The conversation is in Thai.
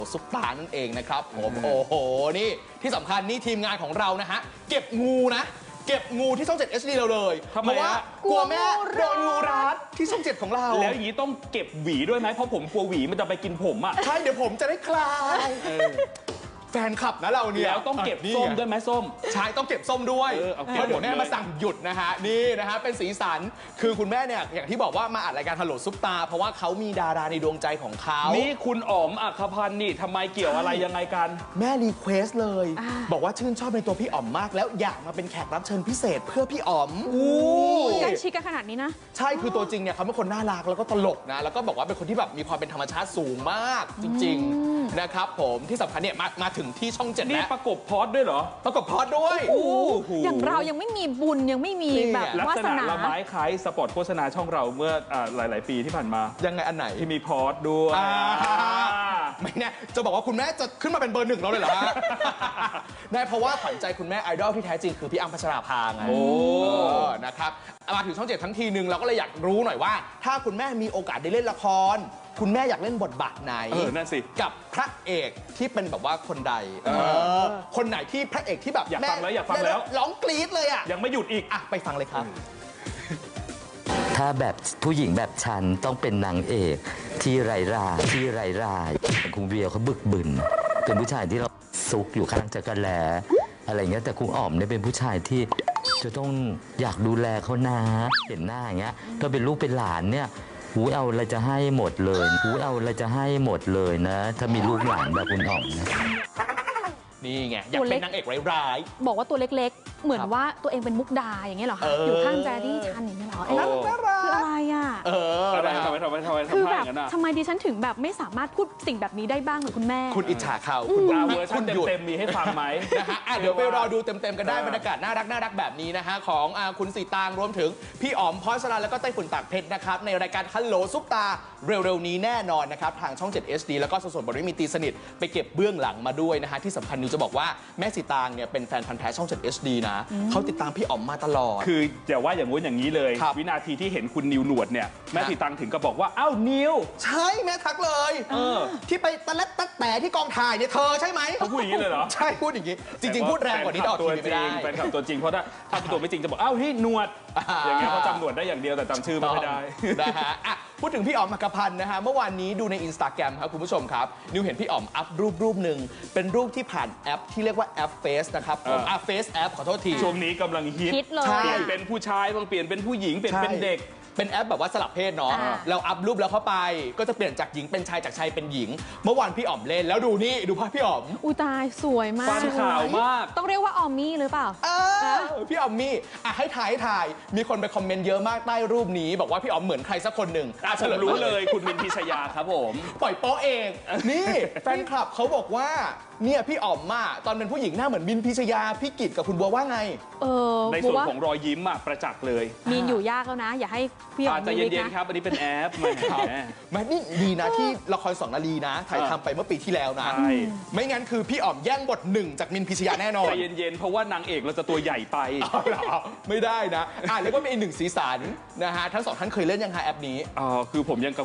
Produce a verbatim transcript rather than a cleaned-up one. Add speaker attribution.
Speaker 1: ซุปตานั่นเองนะครับผมโอ้โหนี่ที่สำคัญนี่ทีมงานของเรานะฮะเก็บงูนะเก็บงูที่ช่องเจ็ด เอช ดี เราเลยเพราะว่ากลัวแม่โดนงูรัดที่ช่องเจ็ดของเรา
Speaker 2: แล้วอย่างนี้ต้องเก็บหวีด้วยไหมเพราะผมกลัวหวีมันจะไปกินผมอ่ะ
Speaker 1: ใช่เดี๋ยวผมจะได้คลายแฟนคลับนะเราเนี่ย
Speaker 2: แล้วต้องเก็บส้มด้วยไหมส้ม
Speaker 1: ใช่ต้องเก็บส้มด้วยเพราะเดี๋ยวแม่มาสั่งหยุดนะฮะนี่นะฮะเป็นสีสันคือคุณแม่เนี่ยอย่างที่บอกว่ามาอัดรายการฮัลโหลซุปตาเพราะว่าเขามีดาราในดวงใจของเขา
Speaker 2: นี่คุณอ๋อมอัครพันธ์นี่ทำไมเกี่ยวอะไรยังไงกัน
Speaker 1: แม่รีเควสเลยบอกว่าชื่นชอบในตัวพี่อ๋อมมากแล้วอยากมาเป็นแขกรับเชิญพิเศษเพื่อพี่อ๋อม
Speaker 3: ใกล้ชิดกันขนาดนี้นะ
Speaker 1: ใช่คือตัวจริงเนี่ยเขาเป็นคนน่ารักแล้วก็ตลกนะแล้วก็บอกว่าเป็นคนที่แบบมีความเป็นธรรมชาติสูงมากจริงๆนะครับผมที่สำคัญเนี่ยมามาถึงที่ช่องเจ็ดแล้ว
Speaker 2: ประกบพอดด้วยเหรอ
Speaker 1: ประกบพอดด้วย
Speaker 3: อย่างเรายังไม่มีบุญยังไม่มีแบบ
Speaker 2: ลักษณะละไม้คล้ายสปอตโฆษณาช่องเราเมื่อหลายๆปีที่ผ่านมา
Speaker 1: ยังไงอันไหน
Speaker 2: ที่มีพอดด้วย
Speaker 1: ไม่แน่จะบอกว่าคุณแม่จะขึ้นมาเป็นเบอร์หนึ่งเราเลยเหรอฮะได้เพราะว่าขวัญใจคุณแม่ไอดอลที่แท้จริงคือพี่อ้ำพัชราภาไงโอ้นะครับมาถึงช่องเจ็ดทั้งทีนึงเราก็เลยอยากรู้หน่อยว่าถ้าคุณแม่มีโอกาสได้เล่นละครคุณแม่อยากเล่นบทบาทไหน
Speaker 2: เออนั่นสิ
Speaker 1: กับพระเอกที่เป็นแบบว่าคนใดคนไหนที่พระเอกที่แบบ
Speaker 2: อยากฟังแล้วอยากฟังแล้ว
Speaker 1: ร้องกรี๊ดเลยอ่ะ
Speaker 2: ยังไม่หยุดอีก
Speaker 1: อ่ะไปฟังเลยครับ
Speaker 4: ถ้าแบบผู้หญิงแบบฉันต้องเป็นนางเอกที่ไร้ราที่ไร้รายคุณเวียเขาบึกบึนเป็นผู้ชายที่เราซุกอยู่ข้างจักรแลอะไรเงี้ยแต่คุณอ๋อมเนี่ยเป็นผู้ชายที่จะต้องอยากดูแลเขานะเห็นหน้าอย่างเงี้ยถ้าเป็นลูกเป็นหลานเนี่ยหูเอาอะไรจะให้หมดเลยหูเอาอะไรจะให้หมดเลยนะถ้ามีลูกหลานแบบคุณอ๋อมนะ
Speaker 1: นี่ไงอยากเป็นนางเอกร้าย
Speaker 3: ๆบอกว่าตัวเล็กๆเหมือนว่าตัวเองเป็นมุกดาอย่างเงี้ยเหรอคะอยู่ข้างแจดี้ชันอย่างเงี้ยเหรอคืออะไรอ่ะ
Speaker 1: เออ
Speaker 2: ทำไมทำไมทำไมทำไม
Speaker 3: คือแบบทำไมดิฉันถึงแบบไม่สามารถพูดสิ่งแบบนี้ได้บ้างเหมือนคุณแม่
Speaker 1: คุณอิจฉาเขา
Speaker 2: คุณดาวเวอร์ชันเต็มๆมีให้ฟังไหม
Speaker 1: นะฮะเดี๋ยวไปรอดูเต็มๆกันได้บรรยากาศน่ารักน่ารักแบบนี้นะฮะของคุณสีตางรวมถึงพี่อ๋อมพรสลันแล้วก็ไต้ฝุ่นตากเพชรนะครับในรายการฮัลโหลซุปตาเร็วๆนี้แน่นอนนะครับทางช่องเจ็ด เอช ดี แล้วก็สดๆบริมีตีสนิทไปเก็บเบื้องหลังมาด้วยนะฮะที่สำคัญนิวจะบอกว่าแม่สีตางเนี่ยเป็นแฟนพันธุ์แท้ช่องเจ็ด เอช ดี นะเขาติดตามพี่อ๋อมมาตลอด
Speaker 2: คืออย่าว่าอย่างงู้นอย่างนี้เลยวินาทีที่เห็นคุณนิวหนวดเนี่ยแม่สีตางถึงก็บอกว่าอ้าวนิว
Speaker 1: ใช่แม่ทักเลยที่ไปตะเล็ดตะแต่ที่กองถ่ายเนี่ยเธอใช่ไหม
Speaker 2: เขาพูดอย่างนี้เลยเหรอ
Speaker 1: ใช่พูดอย่างนี้จริงๆพูดแรงกว่านี้ออกทีวีไม่ได้
Speaker 2: แฟนคลับตัวจริงเพราะถ้าถ้าตัวไม่จริงจะบอกอ้าวที่หนวดอย่างเงี้ยเขาจำหนวดได้อย่างเดียวแต่จำชื่อไม่ได้
Speaker 1: นะฮะพูดถึงพี่อ๋อมอัครพันธ์นะฮะเมื่อวานนี้ดูใน อินสตาแกรม ครับคุณผู้ชมครับนิวเห็นพี่อ๋อมอัพรูปรูปหนึ่งเป็นรูปที่ผ่านแอปที่เรียกว่าแอปเฟซนะครับผมอ่ะเฟซแอปขอโทษที
Speaker 2: ช่วงนี้กำลังฮิต
Speaker 3: เป
Speaker 2: ลี่ยนเป็นผู้ชายบางเปลี่ยนเป็นผู้หญิงเปลี่ยนเป็นเด็ก
Speaker 1: เป็นแอปแบบว่าสลับเพศเนาะเราอัพรูปแล้วเข้าไปก็จะเปลี่ยนจากหญิงเป็นชายจากชายเป็นหญิงเมื่อวานพี่อ๋อมเล่นแล้วดูนี่ดูภาพพี่อ๋อม
Speaker 3: อุตายสวยมาก
Speaker 2: ฟันขาวมาก
Speaker 3: ต้องเรียกว่าออมมี่หรือเปล่า
Speaker 1: พี่อ๋อมมี่อ่ะให้ถ่ายให้ถ่ายมีคนไปคอมเมนต์เยอะมากใต้รูปนี้บอกว่าพี่อ๋อมเหมือนใครสักคนหนึ่ง
Speaker 2: อ่ะผมรู้เลยคุณมินพิชยาครับผม
Speaker 1: ปล่อยโป๊ะเองนี่แฟนคลับเขาบอกว่าเนี่ยพี่อ๋อมมาตอนเป็นผู้หญิงหน้าเหมือนมินพิชยาพี่กิตกับคุณบัวว่าไง
Speaker 3: เออ
Speaker 2: ในส่วนของรอยยิ้มอ่ะประจักษ์เลย
Speaker 3: มีนอยู่ยากแล้วนะอย่าให้พี่อ๋อม
Speaker 2: ใจเย็นๆครับอันนี้เป็นแอปแม่
Speaker 1: แม่นี่ดีนะที่ละครสองนาลีนะถ่ายทำไปเมื่อปีที่แล้วนะไม่งั้นคือพี่อ๋อมแย่งบทหนึ่งจากมินพิชยาแน่นอน
Speaker 2: ใจเย็นๆเพราะว่านางเอกเราจะตัวใหญ่ไป
Speaker 1: ไม่ได้นะอ่ะแล้วก็มีอีกหนึ่งสีสันนะฮะทั้งสองท่านเคยเล่นยังไงแอปนี้
Speaker 2: อ๋อคือผมยัง